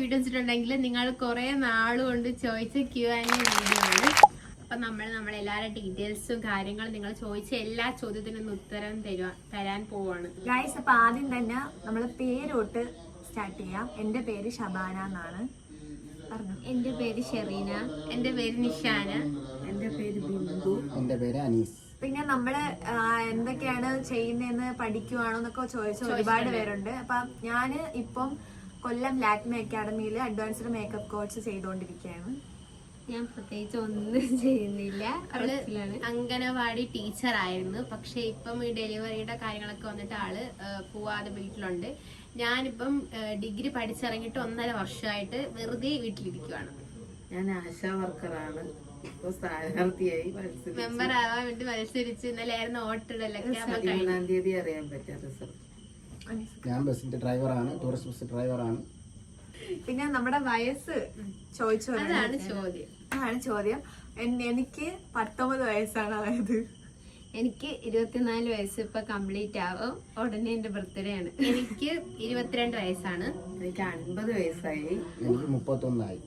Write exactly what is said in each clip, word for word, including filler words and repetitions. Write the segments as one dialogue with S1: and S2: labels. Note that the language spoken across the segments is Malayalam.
S1: വീഡിയോ വെച്ചിട്ടുണ്ടെങ്കിൽ നിങ്ങൾ കുറെ നാളുകൊണ്ട് ചോദിച്ച ക്യൂ ആൻഡ് വീഡിയോ ആണ്. അപ്പൊ നമ്മൾ നമ്മളെല്ലാവരുടെ ഡീറ്റെയിൽസും കാര്യങ്ങളും നിങ്ങൾ ചോദിച്ച എല്ലാ ചോദ്യത്തിനും ഉത്തരം തരുവാ തരാൻ പോവാണ്
S2: ഗൈസ്. അപ്പൊ ആദ്യം തന്നെ നമ്മൾ പേരോട്ട് സ്റ്റാർട്ട് ചെയ്യാം. എന്റെ പേര് ഷബാന എന്നാണ്. പറഞ്ഞു.
S1: എന്റെ പേര് ഷെറീന. എന്റെ പേര് നിഷാന.
S3: എന്റെ പേര് ബിന്ദു.
S4: എന്റെ പേര് അനീസ്.
S2: പിന്നെ നമ്മള് എന്തൊക്കെയാണ് ചെയ്യുന്നതെന്ന് പഠിക്കുവാണോ എന്നൊക്കെ ചോദിച്ച ഒരുപാട് പേരുണ്ട്. അപ്പൊ ഞാന് ഇപ്പം കൊല്ലം ലാക്മി അക്കാഡമിയിൽ അഡ്വാൻസ്ഡ് മേക്കപ്പ് കോഴ്സ് ചെയ്തുകൊണ്ടിരിക്കുകയാണ്.
S1: ഞാൻ പ്രത്യേകിച്ച് ഒന്നും ചെയ്യുന്നില്ല. അവള് അംഗനവാടി ടീച്ചർ ആയിരുന്നു. പക്ഷെ ഇപ്പം ഈ ഡെലിവറിയുടെ കാര്യങ്ങളൊക്കെ വന്നിട്ട് ആള് പോവാതെ വീട്ടിലുണ്ട്. ഞാനിപ്പം ഡിഗ്രി പഠിച്ചിറങ്ങിയിട്ട് ഒന്നര വർഷമായിട്ട് വെറുതെ വീട്ടിലിരിക്കുവാണ്.
S3: ഞാൻ ആശാ വർക്കറാണ്. ഇപ്പൊ സ്ഥാനാർത്ഥിയായി
S1: മെമ്പർ ആവാൻ വേണ്ടി മത്സരിച്ച് ഇന്നലെ ആയിരുന്നു വോട്ടിടലൊക്കെ.
S3: പതിമൂന്നാം തീയതി അറിയാൻ പറ്റാ റിസൾട്ട്.
S4: ഞാൻ ബസ്സിന്റെ ഡ്രൈവറാണ്, ടൂറിസ്റ്റ് ബസ് ഡ്രൈവറാണ്.
S2: പിന്നെ നമ്മുടെ വയസ്സ് ചോദിച്ചു.
S1: അതാണ് ചോദ്യം.
S2: അതാണ് ചോദ്യം. എനിക്ക് പത്തൊമ്പത് വയസ്സാണ്. അതായത്
S1: എനിക്ക് ഇരുപത്തിനാല് വയസ്സ് ഇപ്പൊ കംപ്ലീറ്റ് ആവും. ഉടനെ എന്റെ ബർത്ത്ഡേ ആണ്. എനിക്ക് ഇരുപത്തിരണ്ട് വയസ്സാണ്.
S3: എനിക്ക് അൻപത് വയസ്സായി.
S4: എനിക്ക് മുപ്പത്തൊന്നായി.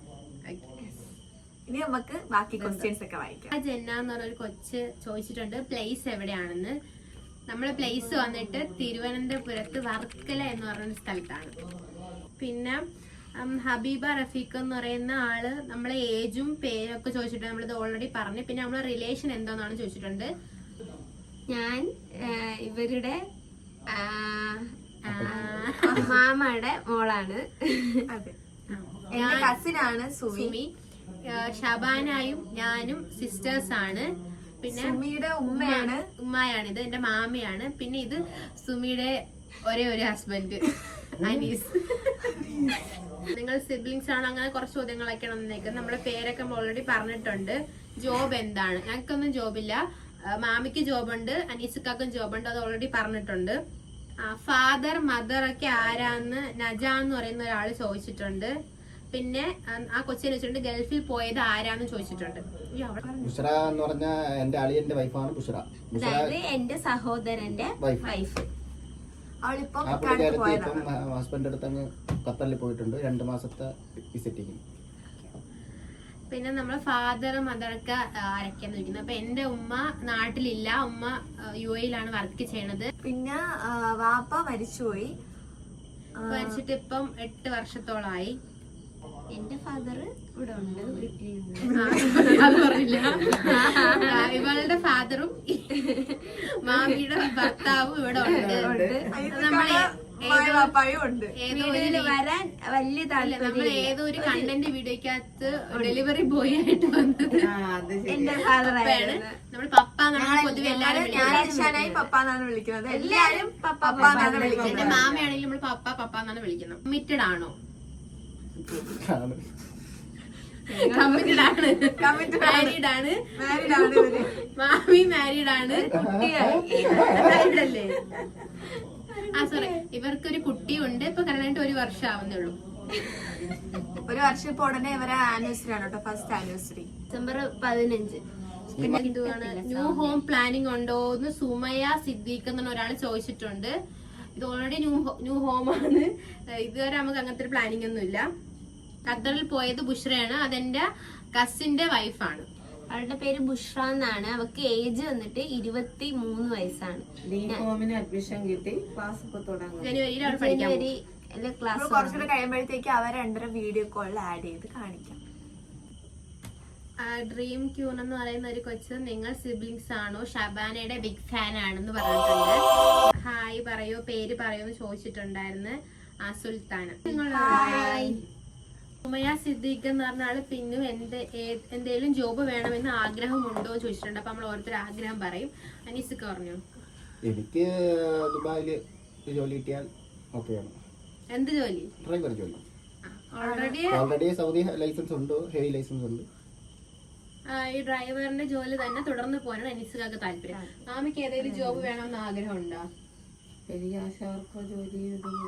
S2: ഇനി നമുക്ക് ബാക്കി ക്വസ്റ്റ്യൻസ് ഒക്കെ വായിക്കാം.
S1: ജെന്ന എന്ന് പറഞ്ഞൊരു കൊച്ച് ചോദിച്ചിട്ടുണ്ട് പ്ലേസ് എവിടെയാണെന്ന്. നമ്മളെ പ്ലേസ് വന്നിട്ട് തിരുവനന്തപുരത്ത് വർക്കല എന്ന് പറയുന്ന സ്ഥലത്താണ്. പിന്നെ ഹബീബ റഫീഖ് എന്ന് പറയുന്ന ആള് നമ്മളെ ഏജും പേരൊക്കെ ചോദിച്ചിട്ടുണ്ട്. നമ്മളിത് ഓൾറെഡി പറഞ്ഞു. പിന്നെ നമ്മളെ റിലേഷൻ എന്താണെന്നാണ് ചോദിച്ചിട്ടുണ്ട്. ഞാൻ ഇവരുടെ മാമയുടെ മോളാണ്.
S2: അതെ, എന്റെ കസിനാണ് സുമി.
S1: ഷബാനായും ഞാനും സിസ്റ്റേഴ്സ് ആണ്. പിന്നെ
S2: സുമിയുടെ ഉമ്മയാണ്
S1: ഉമ്മയാണ്. ഇത് എന്റെ മാമിയാണ്. പിന്നെ ഇത് സുമിയുടെ ഒരേ ഒരു ഹസ്ബൻഡ് അനീസ്. നിങ്ങൾ സിബ്ലിങ്സ് ആണോ? അങ്ങനെ കുറച്ച് ചോദ്യങ്ങളൊക്കെയാണ് വന്നേക്കുന്നത്. നമ്മുടെ പേരൊക്കെ ഓൾറെഡി പറഞ്ഞിട്ടുണ്ട്. ജോബ് എന്താണ്? ഞങ്ങൾക്കൊന്നും ജോബില്ല. മാമിക്ക് ജോബുണ്ട്, അനീസുക്കാക്കും ജോബുണ്ട്. അത് ഓൾറെഡി പറഞ്ഞിട്ടുണ്ട്. ഫാദർ മദർ ഒക്കെ ആരാന്ന് നജ എന്ന് പറയുന്ന ഒരാൾ ചോദിച്ചിട്ടുണ്ട്. പിന്നെ ആ കൊച്ചിനെ വെച്ചിട്ടുണ്ട് ഗൾഫിൽ പോയത് ആരാന്ന് ചോദിച്ചിട്ടുണ്ട്.
S4: ബുഷറ എന്ന് പറഞ്ഞ എന്റെ അളിയന്റെ വൈഫാണ് ബുഷറ.
S1: അതായത് എന്റെ സഹോദരന്റെ വൈഫ്.
S2: അവളിപ്പം
S4: ഹസ്ബൻഡ് അടുത്ത് അങ്ങ് ഖത്തറിൽ പോയിട്ടുണ്ട്. രണ്ടു മാസത്തെ വിസിറ്റിങ്.
S1: പിന്നെ നമ്മള് ഫാദർ മദറൊക്കെ ആരൊക്കെയാന്ന് ചോദിക്കുന്നത്. അപ്പൊ എന്റെ ഉമ്മ നാട്ടിലില്ല. ഉമ്മ യു എയിലാണ് വർക്ക് ചെയ്യണത്.
S2: പിന്നെ വാപ്പ മരിച്ചുപോയി.
S1: മരിച്ചിട്ട് ഇപ്പം എട്ട് വർഷത്തോളായി. എന്റെ ഫാദർ ഇവിടെ ഉണ്ട്, അത് പറഞ്ഞില്ല. ഇവളുടെ ഫാദറും മാമിയുടെ ഭർത്താവും ഇവിടെ ഉണ്ട്. നമ്മളെ വരാൻ വലിയ താല്പര്യം. നമ്മൾ ഏതോ ഒരു കണ്ടന്റ് വീഡിയോക്കകത്ത് ഡെലിവറി ബോയ് ആയിട്ട് വന്നത് എന്റെ ഫാദറാണ്. നമ്മൾ പപ്പ എന്നാണ് പൊതുവെ എല്ലാരും
S2: പപ്പാന്നാണ് വിളിക്കുന്നത്. എല്ലാരും പപ്പാന്നാണ് വിളിക്കുന്നത്.
S1: എന്റെ മാമയാണെങ്കിൽ നമ്മൾ പപ്പ പപ്പ എന്നാണ് വിളിക്കുന്നത്. കമ്മിറ്റഡ് ആണോ? കമ്മിറ്റഡ് ആണ്. മാരീഡ് ആണ്. മാമി മാരീഡ് ആണ്. മാരീഡ് അല്ലേ? ആ സോറി, ഇവർക്കൊരു കുട്ടിയുണ്ട്. ഇപ്പൊ കല്യാണം ഒരു വർഷം ആവുന്നേ ഉള്ളൂ.
S2: ഒരു വർഷം ഇപ്പൊ ഉടനെ ഇവരെ ആനിവേഴ്സറി ആണ് കേട്ടോ. ഫസ്റ്റ് ആനിവേഴ്സറി
S1: ഡിസംബർ പതിനഞ്ച്. പിന്നെ എന്തുവാണ് ന്യൂ ഹോം പ്ലാനിങ് ഉണ്ടോ എന്ന് സുമയ സിദ്ദീഖ് എന്ന് ഒരാൾ ചോദിച്ചിട്ടുണ്ട്. ഇത് ഓൾറെഡി ന്യൂ ന്യൂ ഹോം ആണ്. ഇതുവരെ നമുക്ക് അങ്ങനത്തെ ഒരു പ്ലാനിങ് ഒന്നും ഇല്ല. ഖത്തറിൽ പോയത് ബുഷ്രയാണ്. അതെന്റെ കസിന്റെ വൈഫാണ്. അവളുടെ പേര് ബുഷ്ര എന്നാണ്. അവർക്ക് ഏജ് വന്നിട്ട് ഇരുപത്തി മൂന്ന് വയസ്സാണ്.
S3: അഡ്മിഷൻ കിട്ടി. ക്ലാസ് ഇപ്പൊ തുടങ്ങും.
S1: ജനുവരിയിൽ അവൾ പഠിക്കാൻ
S2: ക്ലാസ്. കുറച്ചുകൂടെ കഴിയുമ്പോഴത്തേക്ക് അവർ രണ്ടര വീഡിയോ കോളിൽ ആഡ് ചെയ്ത് കാണിക്കാം.
S1: ഡ്രീം ക്യൂൺ എന്ന് പറയുന്ന ഒരു കൊച്ച് നിങ്ങൾ സിബ്ലിങ്സ് ആണോ? ഷബാനയുടെ ബിഗ് ഫാൻ ആണെന്ന് പറഞ്ഞിട്ടുണ്ട്. ഹായ് പറയോ, പേര് പറയോ എന്ന് ചോദിച്ചിട്ടുണ്ടായിരുന്നു. ആ സുൽത്താന. ഉമയ സിദ്ദീഖ് എന്ന് പറഞ്ഞ ആള് പിന്നും എന്ത് എന്തേലും ജോബ് വേണമെന്ന് ആഗ്രഹമുണ്ടോ ചോദിച്ചിട്ടുണ്ട്. അപ്പൊ നമ്മൾ ഓരോരുത്തർ ആഗ്രഹം പറയും. അനീസൊക്കെ പറഞ്ഞു.
S4: എനിക്ക് ദുബായില് ജോലി കിട്ടിയാൽ ഓക്കെയാണ്.
S1: എന്ത് ജോലി?
S4: ഡ്രൈവർ ജോലി.
S1: ഓൾറെഡി
S4: ഓൾറെഡി സൗദി ലൈസൻസ് ഉണ്ട്, ഹെവി ലൈസൻസ് ഉണ്ട്.
S1: ഈ ഡ്രൈവറിന്റെ ജോലി തന്നെ തുടർന്ന് പോകാനാണ് അനീസുകാർക്ക് താല്പര്യം. മാമിക്ക് ഏതെങ്കിലും ജോബ് വേണമെന്ന് ആഗ്രഹം ഉണ്ടോ?
S3: എനിക്ക് ആശാവർക്കോ ജോലി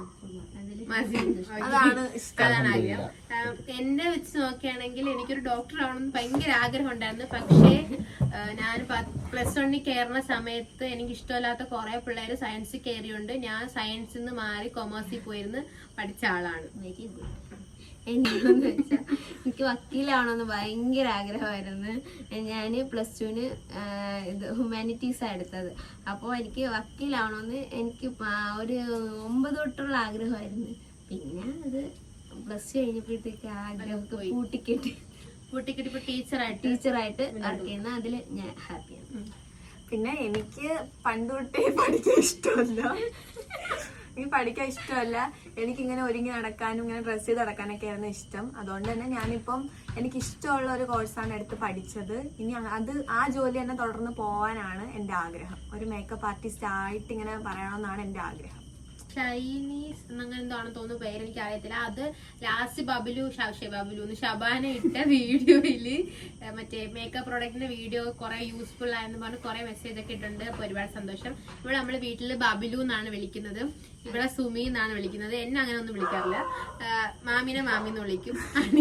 S1: അതാണ് ആഗ്രഹം. എന്നെ വെച്ച് നോക്കുകയാണെങ്കിൽ എനിക്കൊരു ഡോക്ടർ ആവണമെന്ന് ഭയങ്കര ആഗ്രഹം ഉണ്ടായിരുന്നു. പക്ഷേ ഞാൻ പ്ലസ് വണ്ണിൽ കയറുന്ന സമയത്ത് എനിക്ക് ഇഷ്ടമില്ലാത്ത കുറെ പിള്ളേർ സയൻസിൽ കയറിയുണ്ട്. ഞാൻ സയൻസിൽ നിന്ന് മാറി കൊമേഴ്സിൽ പോയിരുന്ന് പഠിച്ച ആളാണ്. Very good.
S5: എന്താണെന്ന് വെച്ചാൽ എനിക്ക് വക്കീലാവണമെന്ന് ഭയങ്കര ആഗ്രഹമായിരുന്നു. ഞാൻ പ്ലസ് ടുവിന് ഇത് ഹ്യൂമാനിറ്റീസാണ് എടുത്തത്. അപ്പോൾ എനിക്ക് വക്കീലാവണമെന്ന് എനിക്ക് ഒരു ഒമ്പത് തൊട്ടുള്ള ആഗ്രഹമായിരുന്നു. പിന്നെ അത് പ്ലസ് ടു കഴിഞ്ഞപ്പോഴത്തേക്ക് ആഗ്രഹമൊക്കെ കൂട്ടിക്കെട്ടി
S1: കൂട്ടിക്കെട്ടി ഇപ്പൊ ടീച്ചറായിട്ട്
S5: ടീച്ചറായിട്ട് വർക്ക് ചെയ്യുന്ന അതിൽ ഞാൻ ഹാപ്പിയാണ്.
S2: പിന്നെ എനിക്ക് പണ്ട് തൊട്ടേ പഠിക്കാൻ ഇഷ്ടമല്ല. എനിക്ക് പഠിക്കാൻ ഇഷ്ടമല്ല. എനിക്കിങ്ങനെ ഒരുങ്ങി നടക്കാനും ഇങ്ങനെ ഡ്രസ്സ് ചെയ്ത് നടക്കാനൊക്കെ ആയിരുന്നു ഇഷ്ടം. അതുകൊണ്ട് തന്നെ ഞാനിപ്പം എനിക്ക് ഇഷ്ടമുള്ള ഒരു കോഴ്സാണ് എടുത്ത് പഠിച്ചത്. ഇനി അത് ആ ജോലി തന്നെ തുടർന്ന് പോകാനാണ് എൻ്റെ ആഗ്രഹം. ഒരു മേക്കപ്പ് ആർട്ടിസ്റ്റ് ആയിട്ട് ഇങ്ങനെ പറയണമെന്നാണ് എൻ്റെ ആഗ്രഹം.
S1: ചൈനീസ് അങ്ങനെ എന്താണെന്ന് തോന്നുന്നു പേര്, എനിക്ക് അറിയത്തില്ല. അത് ലാസ്റ്റ് ബബിലു ഷാഷെ ബബിലു ഷബാന ഇട്ട വീഡിയോയില് മറ്റേ മേക്കപ്പ് പ്രോഡക്റ്റിന്റെ വീഡിയോ കുറെ യൂസ്ഫുൾ ആയെന്ന് പറഞ്ഞ് കുറെ മെസ്സേജ് ഒക്കെ ഇട്ടുണ്ട്. അപ്പൊ ഒരുപാട് സന്തോഷം. ഇവിടെ നമ്മള് വീട്ടില് ബബിലു എന്നാണ് വിളിക്കുന്നത്, ഇവിടെ സുമി എന്നാണ് വിളിക്കുന്നത്. എന്നെ അങ്ങനെ ഒന്നും വിളിക്കാറില്ല. മാമിനെ മാമി എന്ന് വിളിക്കും.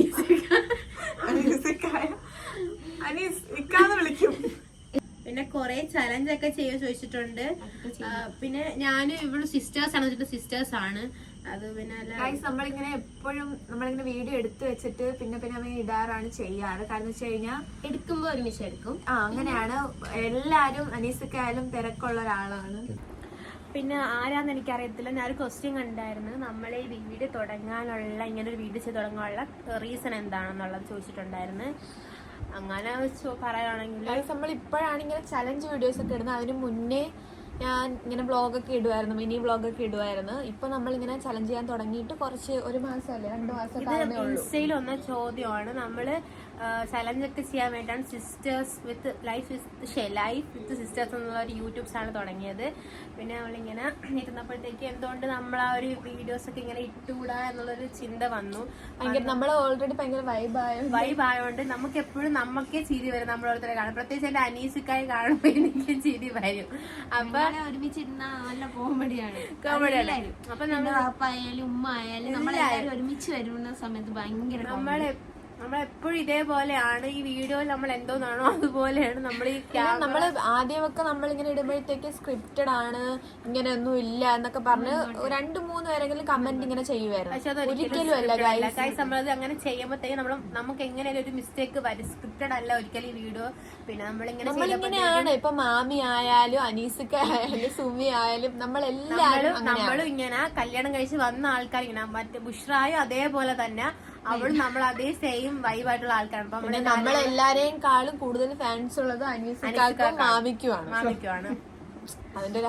S2: വിളിക്കും.
S1: പിന്നെ കൊറേ ചലഞ്ച് ഒക്കെ ചെയ്യാൻ ചോദിച്ചിട്ടുണ്ട്. പിന്നെ ഞാൻ ഇവിടെ സിസ്റ്റേഴ്സ് ആണ് വെച്ചിട്ട് സിസ്റ്റേഴ്സ് ആണ് അത്. പിന്നെ
S2: നമ്മളിങ്ങനെ എപ്പോഴും നമ്മളിങ്ങനെ വീഡിയോ എടുത്തു വെച്ചിട്ട് പിന്നെ പിന്നെ അവൻ ഇടാറാണ് ചെയ്യാറ്. കാരണം വെച്ച് കഴിഞ്ഞാൽ
S5: എടുക്കുമ്പോ ഒരുമിച്ച് എടുക്കും.
S2: ആ അങ്ങനെയാണ്. എല്ലാരും അനീസക്കായാലും തിരക്കുള്ള ഒരാളാണ്.
S1: പിന്നെ ആരാന്ന് എനിക്കറിയത്തില്ല. ഞാനൊരു ക്വസ്റ്റ്യൻ കണ്ടായിരുന്നു, നമ്മളെ ഈ വീഡിയോ തുടങ്ങാനുള്ള ഇങ്ങനെ ഒരു വീഡിയോ ചെയ്ത് തുടങ്ങാനുള്ള റീസൺ എന്താണെന്നുള്ളത് ചോദിച്ചിട്ടുണ്ടായിരുന്നു. അങ്ങനെ വെച്ച് പറയുകയാണെങ്കിൽ
S2: നമ്മൾ ഇപ്പോഴാണ് ഇങ്ങനെ ചലഞ്ച് വീഡിയോസ് ഒക്കെ ഇടുന്നത്. അതിന് മുന്നേ ഞാൻ ഇങ്ങനെ വ്ളോഗൊക്കെ ഇടുമായിരുന്നു, മിനി വ്ളോഗൊക്കെ ഇടുമായിരുന്നു. ഇപ്പൊ നമ്മളിങ്ങനെ ചലഞ്ച് ചെയ്യാൻ തുടങ്ങിയിട്ട് കുറച്ച് ഒരു മാസമല്ലേ രണ്ടു മാസം
S1: ഇൻസ്റ്റയിൽ വന്ന ചോദ്യമാണ്. നമ്മള് ചലഞ്ച് ഒക്കെ ചെയ്യാൻ വേണ്ടിയാണ് sisters with life with life with sisters എന്നുള്ള ഒരു യൂട്യൂബ് ചാനൽ തുടങ്ങിയത്. പിന്നെ നമ്മളിങ്ങനെ ഇരുന്നപ്പോഴത്തേക്ക് എന്തുകൊണ്ട് നമ്മൾ ആ ഒരു വീഡിയോസ് ഒക്കെ ഇങ്ങനെ ഇട്ടുകൂടാ എന്നുള്ളൊരു ചിന്ത വന്നു.
S2: നമ്മൾ ഓൾറെഡി ഭയങ്കര വൈബായ
S1: വൈബായോണ്ട് നമുക്ക് എപ്പോഴും നമുക്കേ ചിരി വരും. നമ്മളോരുത്തരെ കാണും, പ്രത്യേകിച്ച് എന്റെ അനീസിക്കായി കാണുമ്പോൾ എനിക്ക് ചിരി വരും. അപ്പൊ
S5: ഒരുമിച്ചിരുന്ന നല്ല കോമഡിയാണ്
S1: കോമഡിയാണ്. അപ്പൊ
S5: നമ്മുടെ പാപ്പ ആയാലും ഉമ്മ ആയാലും നമ്മളെല്ലാവരും ഒരുമിച്ച് വരുന്ന സമയത്ത് ഭയങ്കര
S1: നമ്മളെ നമ്മളെപ്പോഴും ഇതേപോലെയാണ്. ഈ വീഡിയോയിൽ നമ്മൾ എന്തോന്നാണോ അതുപോലെയാണ് നമ്മൾ ഈ
S2: നമ്മള് ആദ്യമൊക്കെ നമ്മളിങ്ങനെ ഇടുമ്പോഴത്തേക്ക് സ്ക്രിപ്റ്റഡ് ആണ്, ഇങ്ങനെ ഒന്നും ഇല്ല എന്നൊക്കെ പറഞ്ഞ് രണ്ടു മൂന്ന് പേരെങ്കിലും കമന്റ് ഇങ്ങനെ ചെയ്യുമായിരുന്നു. ഒരിക്കലും അല്ല ഗൈസ്.
S1: നമ്മളത് അങ്ങനെ ചെയ്യുമ്പോഴത്തേക്ക് നമ്മൾ നമുക്ക് എങ്ങനെയാലും ഒരു മിസ്റ്റേക്ക് വരും. സ്ക്രിപ്റ്റഡ് അല്ല ഒരിക്കലും ഈ വീഡിയോ. പിന്നെ നമ്മളിങ്ങനെ
S2: നമ്മളിങ്ങനെയാണ്. ഇപ്പൊ മാമി ആയാലും അനീസിക്ക ആയാലും സുമി ആയാലും നമ്മളെല്ലാരും
S1: നമ്മളും ഇങ്ങനെ കല്യാണം കഴിച്ച് വന്ന ആൾക്കാർ ഇങ്ങനെ മറ്റേ ബുഷ്റായും അതേപോലെ തന്നെ അവളും നമ്മൾ അതേ സെയിം വൈബായിട്ടുള്ള ആൾക്കാരാണ്. അപ്പൊ
S2: നമ്മളെല്ലാരെയും കാളും കൂടുതൽ ഫാൻസ് ഉള്ളത് അനീസിക്കും മാമിക്കുമാണ്
S1: മാമിക്കുമാണ്.
S2: അതിന്റെ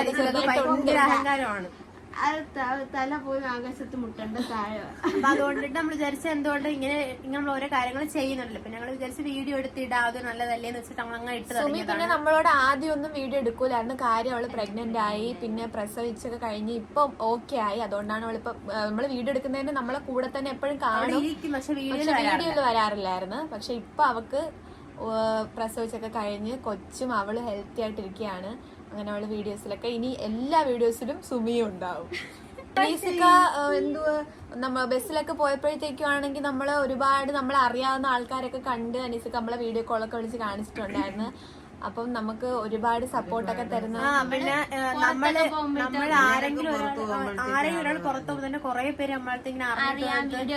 S1: ഭയങ്കര അഹങ്കാരമാണ്.
S5: അത് തല പോയി ആകാശത്ത് മുട്ടേണ്ട താഴെ.
S1: അപ്പൊ അതുകൊണ്ടിട്ട് നമ്മൾ വിചാരിച്ച എന്തുകൊണ്ട് ഇങ്ങനെ ഇങ്ങനെ നമ്മൾ ഓരോ കാര്യങ്ങൾ ചെയ്യുന്നുണ്ടല്ലോ. പിന്നെ ഞങ്ങൾ വിചാരിച്ച് വീഡിയോ എടുത്തിടാ, അത് നല്ലതല്ലേന്ന് വെച്ചിട്ട് നമ്മൾ അങ്ങനെ ഇട്ട് തുടങ്ങി.
S2: പിന്നെ നമ്മളോട് ആദ്യം ഒന്നും വീഡിയോ എടുക്കൂലായിരുന്നു. കാര്യം അവള് പ്രഗ്നന്റ് ആയി, പിന്നെ പ്രസവിച്ചൊക്കെ കഴിഞ്ഞ് ഇപ്പൊ ഓക്കെ ആയി. അതുകൊണ്ടാണ് അവളിപ്പോ നമ്മള് വീഡിയോ എടുക്കുന്നതിന് നമ്മളെ കൂടെ തന്നെ എപ്പോഴും കാണും.
S1: പക്ഷെ
S2: വീഡിയോയിൽ വരാറില്ലായിരുന്നു. പക്ഷെ ഇപ്പൊ അവക്ക് പ്രസവിച്ചൊക്കെ കഴിഞ്ഞ് കൊച്ചും അവള് ഹെൽത്തി ആയിട്ടിരിക്കുകയാണ്. അങ്ങനെ അവള് വീഡിയോസിലൊക്കെ ഇനി എല്ലാ വീഡിയോസിലും സുമിയും ഉണ്ടാവും. അനീസിക്ക എന്തുവാ നമ്മ ബസ്സിലൊക്കെ പോയപ്പോഴത്തേക്കും ആണെങ്കിൽ നമ്മള് ഒരുപാട് നമ്മളെ അറിയാവുന്ന ആൾക്കാരൊക്കെ കണ്ട് അനീസിക്ക നമ്മളെ വീഡിയോ കോളൊക്കെ വിളിച്ച് കാണിച്ചിട്ടുണ്ടായിരുന്നു. അപ്പം നമുക്ക് ഒരുപാട് സപ്പോർട്ടൊക്കെ തരുന്ന
S1: പിന്നെ നമ്മള് നമ്മൾ ആരെങ്കിലും ആരെങ്കിലും ഒരാൾ പുറത്തു പോകുമ്പോൾ തന്നെ കുറെ പേര് നമ്മളടുത്ത് ഇങ്ങനെ
S5: വീഡിയോ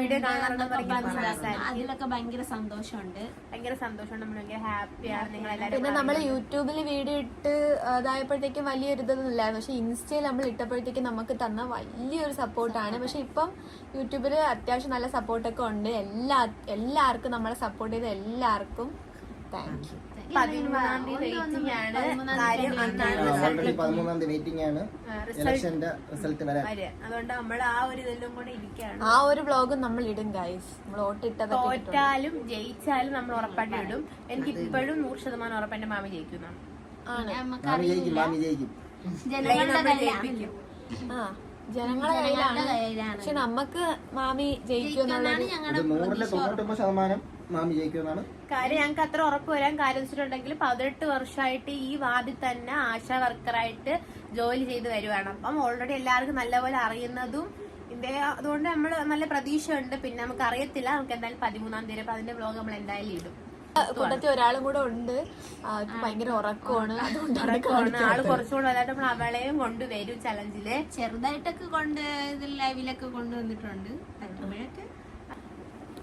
S5: കാണാറുണ്ട്. അതിലൊക്കെ ഭയങ്കര സന്തോഷമുണ്ട്.
S1: ഭയങ്കര സന്തോഷമുണ്ട്. നമ്മൾ ഭയങ്കര ഹാപ്പിയാണ്. നിങ്ങളെല്ലാവരും
S2: പിന്നെ നമ്മൾ യൂട്യൂബിൽ വീഡിയോ ഇട്ട് അതായപ്പോഴത്തേക്കും വലിയൊരു ഇതൊന്നും ഇല്ലായിരുന്നു. പക്ഷെ ഇൻസ്റ്റയിൽ നമ്മൾ ഇട്ടപ്പോഴത്തേക്കും നമുക്ക് തന്ന വലിയൊരു സപ്പോർട്ടാണ്. പക്ഷെ ഇപ്പം യൂട്യൂബിൽ അത്യാവശ്യം നല്ല സപ്പോർട്ടൊക്കെ ഉണ്ട്. എല്ലാ എല്ലാവർക്കും നമ്മളെ സപ്പോർട്ട് ചെയ്ത എല്ലാവർക്കും താങ്ക് യു.
S1: പതിമൂന്നാം തീയതി വെയിറ്റിംഗ് ആണ്. കാര്യം
S4: പതിമൂന്നാം തീയതി വെയിറ്റിംഗ് ആണ് ഇലക്ഷന്റെ റിസൾട്ട് വരാൻ.
S1: അതുകൊണ്ട് നമ്മൾ ആ ഒരു ഇതെല്ലാം കൂടെ ഇരിക്കുകയാണ്.
S2: ആ ഒരു വ്ലോഗും നമ്മൾ ഇടും ഗൈസ്. നമ്മൾ വോട്ടിട്ടത്
S1: തോറ്റാലും ജയിച്ചാലും നമ്മൾ ഉറപ്പായിട്ട് ഇടും. എനിക്ക് ഇപ്പോഴും നൂറ് ശതമാനം ഉറപ്പ് എന്റെ മാമി ജയിക്കുന്നതാണ്.
S4: മാമി ജയിക്കും, മാമി ജയിക്കും.
S2: ആ ജനങ്ങളെ കയ്യിലാണ്. പക്ഷെ നമുക്ക് മാമി ജയിക്കുമെന്നുള്ളത്
S4: നൂറിലെ തൊണ്ണൂറ്റൊമ്പത് ശതമാനം മാമി ജയിക്കുമെന്നാണ്
S1: കാര്യം. ഞങ്ങൾക്ക് അത്ര ഉറപ്പ് വരാൻ കാര്യം വെച്ചിട്ടുണ്ടെങ്കിൽ പതിനെട്ട് വർഷമായിട്ട് ഈ വാർഡിൽ തന്നെ ആശാ വർക്കറായിട്ട് ജോലി ചെയ്ത് വരുവാണ്. അപ്പം ഓൾറെഡി എല്ലാവർക്കും നല്ലപോലെ അറിയുന്നതും ഇതിന്റെ അതുകൊണ്ട് നമ്മൾ നല്ല പ്രതീക്ഷ ഉണ്ട്. പിന്നെ നമുക്ക് അറിയത്തില്ല. നമുക്ക് എന്തായാലും പതിമൂന്നാം തീയതി അപ്പൊ അതിന്റെ വ്ലോഗ് നമ്മൾ എന്തായാലും ഇടും.
S2: കൂട്ടത്തിൽ ഒരാളും കൂടെ ഉണ്ട്. ഭയങ്കര ഉറക്കമാണ്.
S1: അതുകൊണ്ടാണ് ആള് കുറച്ചുകൂടെ വലുതായിട്ട് നമ്മൾ അവളെയും കൊണ്ടുവരും ചലഞ്ചില്.
S5: ചെറുതായിട്ടൊക്കെ കൊണ്ട് ഇതിൽ ലൈവിലൊക്കെ കൊണ്ടുവന്നിട്ടുണ്ട്. പറ്റുമ്പോഴൊക്കെ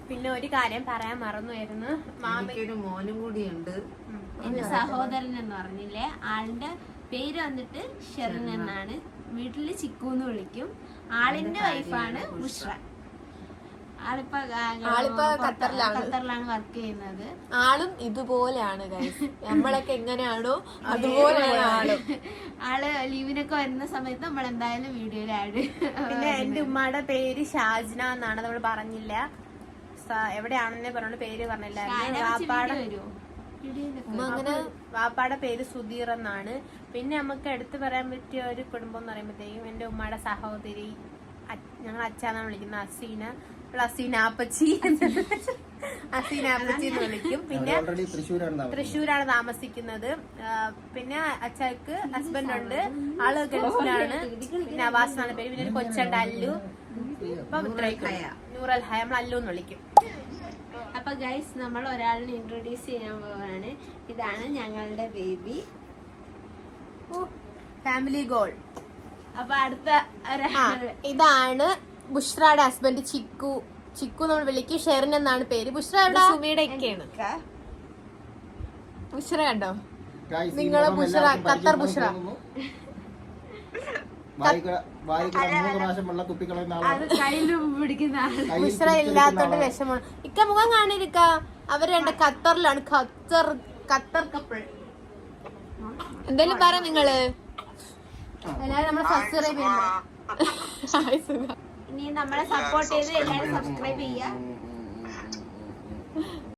S1: പിന്നെ ഒരു കാര്യം പറയാൻ മറന്നുമായിരുന്നു. മാമ
S3: എനിക്കൊരു മോനും കൂടിയുണ്ട്.
S5: എന്റെ സഹോദരൻ എന്ന് പറഞ്ഞില്ലേ, ആളുടെ പേര് വന്നിട്ട് ഷെറിൻ എന്നാണ്. വീട്ടില് ചിക്കു എന്ന് വിളിക്കും. ആളിന്റെ വൈഫാണ് ബുഷ്ര. ആളിപ്പോ
S2: ആളിപ്പോ ഖത്തറിലാണ്.
S5: ഖത്തറിലാണ് വർക്ക് ചെയ്യുന്നത്.
S2: ആളും ഇതുപോലെയാണ് ഗൈസ്. നമ്മളൊക്കെ എങ്ങനെയാണോ അതുപോലെയാണ് ആളും.
S5: ആള് ലീവിനൊക്കെ വരുന്ന സമയത്ത് നമ്മൾ എന്തായാലും വീഡിയോയിൽ ആഡ്.
S1: പിന്നെ എന്റെ ഉമ്മയുടെ പേര് ഷാജ്ന എന്നാണ്, നമ്മൾ പറഞ്ഞില്ല. സ- എവിടെയാണെന്നേ പറഞ്ഞു, പേര് പറഞ്ഞില്ലായിരുന്നു. വാപ്പാടെ
S2: ഉമ്മ അങ്ങനെ
S1: വാപ്പാടെ പേര് സുധീർ എന്നാണ്. പിന്നെ നമുക്ക് എടുത്തു പറയാൻ പറ്റിയ ഒരു കുടുംബം എന്ന് പറയുമ്പോഴത്തേക്കും എന്റെ ഉമ്മയുടെ സഹോദരി, അ- ഞങ്ങൾ അച്ഛനാണ് വിളിക്കുന്നത്, അസീന. അസീന ആപ്പച്ചി അസീന ആപ്പച്ചി എന്ന് വിളിക്കും. പിന്നെ
S4: ഓൾറെഡി തൃശ്ശൂരാണ് താമസം.
S1: തൃശ്ശൂരാണ് താമസിക്കുന്നത്. ആ, പിന്നെ അച്ഛക്ക് ഹസ്ബൻഡ് ഉണ്ട്, ആള് ഗൾഫിലാണ്. പിന്നെ അവാസ് എന്നാണ് പേര്. പിന്നെ ഒരു കൊച്ചുണ്ട് അല്ലു. അപ്പൊ ഇത്രയൊക്കെ. നൂറൽ ഹയ, നമ്മൾ അല്ലു എന്ന് വിളിക്കും.
S5: അപ്പൊ ഗൈസ്, നമ്മൾ ഒരാളിനെ ഇൻട്രൊഡ്യൂസ് ചെയ്യാൻ പോവാണ്. ഇതാണ് ഞങ്ങളുടെ ബേബി.
S1: Family goal.
S5: അപ്പൊ അടുത്ത
S1: ആ,
S5: ഒരാള്
S1: ഇതാണ് ബുഷ്രയുടെ ഹസ്ബൻഡ് ചിക്കു. ചിക്കു നമ്മൾ വിളിക്കും. ഷെറിൻ എന്നാണ് പേര്. ബുഷ്ര എവിടെ?
S2: സുമിയുടെ ഒക്കെയാണ്. ബുഷ്ര കണ്ടോ?
S4: Guys, ഈ
S1: നിങ്ങളെ
S4: മുഖം
S1: ബുഷ്ര,
S4: എല്ലാവർക്കും
S1: ഖത്തർ
S4: പരിചയമുണ്ടെന്ന്
S1: ബുഷ്ര.
S4: തോന്നുന്നു. വായിക്ക- വായിക്കണ മൂന്ന് പ്രാവശ്യം വെള്ളം കുപ്പിക്കളയുന്ന
S5: അത്
S4: ആളാണ്.
S5: കയ്യിൽ പിടിക്കുന്ന ആള്.
S4: കയ്യിൽ
S1: ബുഷ്ര
S4: പിടിച്ചിരിക്കുന്ന
S1: ഇല്ലാത്തോണ്ട്
S4: ആളാണ്.
S1: വിഷമമാണ്. ഇക്ക മുഖം കാണിരിക്ക. അവര് രണ്ട് ഖത്തറിലാണ്. Qatar Qatar couple.
S2: എന്തായാലും പറ നിങ്ങള്.
S1: എല്ലാരും നമ്മളെ സബ്സ്ക്രൈബ് ചെയ്യണം.
S2: ഹായ് സുഖ.
S5: ഇനി നമ്മളെ സപ്പോർട്ട് ചെയ്ത് എല്ലാവരും സബ്സ്ക്രൈബ് ചെയ്യുക.
S4: ഉം, ഉം, ഉം, ഉം, ഉം.